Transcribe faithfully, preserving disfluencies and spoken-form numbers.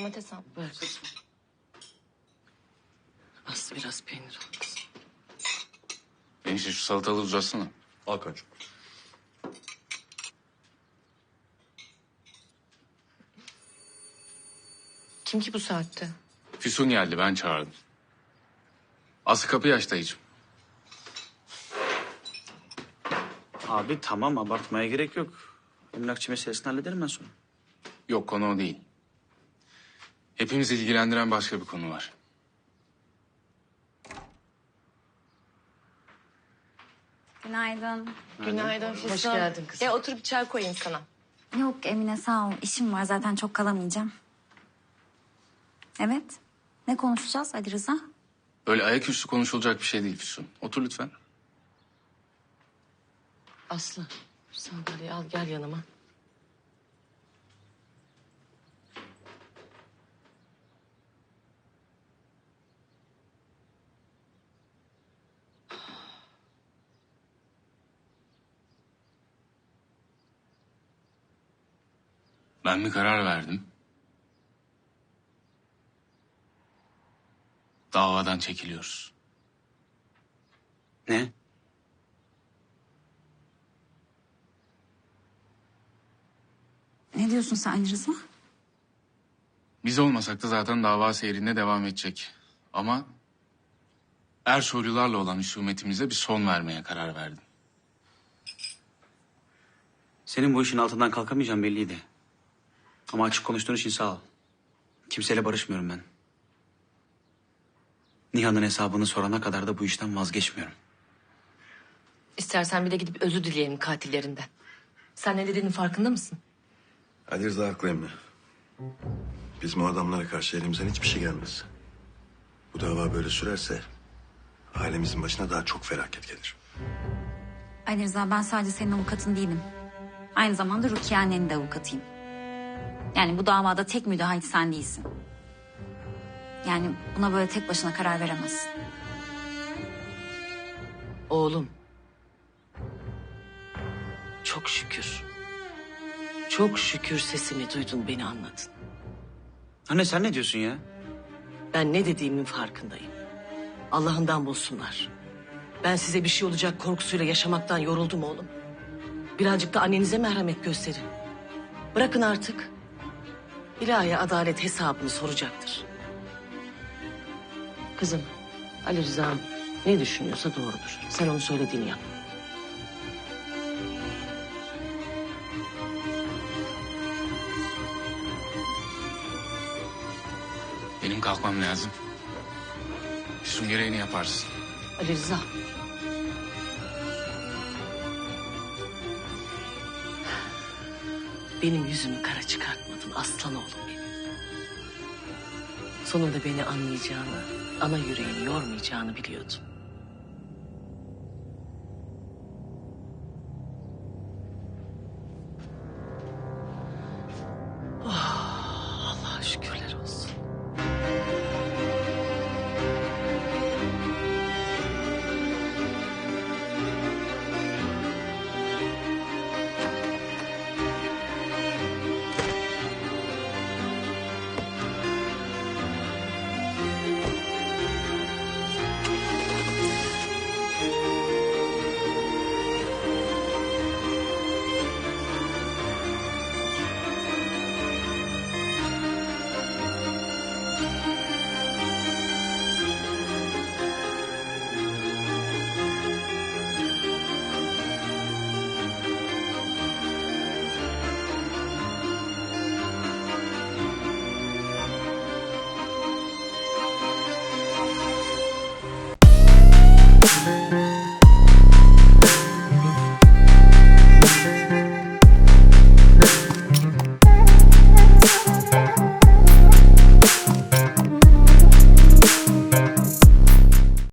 domates al. Ver kızım. Az biraz peynir al kızım. Enişte şu salatalığı uzatsana. Al kaç. Kim ki bu saatte? Füsun geldi, ben çağırdım. Aslı kapıyı aç dayıcığım. Abi tamam, abartmaya gerek yok. Emlakçı meselesini hallederim ben sonra. Yok, konu o değil. Hepimizi ilgilendiren başka bir konu var. Günaydın. Günaydın Füsun. Hoş geldin kızım. E otur bir çay koyayım sana. Yok Emine sağ ol. İşim var zaten çok kalamayacağım. Evet. Ne konuşacağız Ali Rıza? Öyle ayaküstü konuşulacak bir şey değil Füsun. Otur lütfen. Aslı sandalyeyi al gel yanıma. Ben bir karar verdim. Davadan çekiliyoruz. Ne? Ne diyorsun sen Ali Rıza? Biz olmasak da zaten dava seyrinde devam edecek. Ama Ersoylularla olan husumetimize bir son vermeye karar verdim. Senin bu işin altından kalkamayacağım belliydi. Ama açık konuştuğun için sağ ol. Kimseyle barışmıyorum ben. Nihan'ın hesabını sorana kadar da bu işten vazgeçmiyorum. İstersen bir de gidip özür dileyelim katillerinden. Sen ne dediğinin farkında mısın? Ali Rıza haklı emmi. Bizim o adamlara karşı elimizden hiçbir şey gelmez. Bu dava böyle sürerse ailemizin başına daha çok felaket gelir. Ali Rıza ben sadece senin avukatın değilim. Aynı zamanda Rukiye annenin de avukatıyım. Yani bu davada tek müdahil sen değilsin. Yani buna böyle tek başına karar veremezsin. Oğlum. Çok şükür. Çok şükür sesimi duydun, beni anladın. Anne sen ne diyorsun ya? Ben ne dediğimin farkındayım. Allah'ından bulsunlar. Ben size bir şey olacak korkusuyla yaşamaktan yoruldum oğlum. Birazcık da annenize merhamet gösterin. Bırakın artık. İlahi adalet hesabını soracaktır. Kızım, Ali Rıza ne düşünüyorsa doğrudur. Sen onun söylediğini yap. Benim kalkmam lazım. Füsun gereğini yaparsın. Ali Rıza. Benim yüzümü kara çıkartmadın aslan oğlum benim. Sonunda beni anlayacağını, ana yüreğini yormayacağını biliyordum.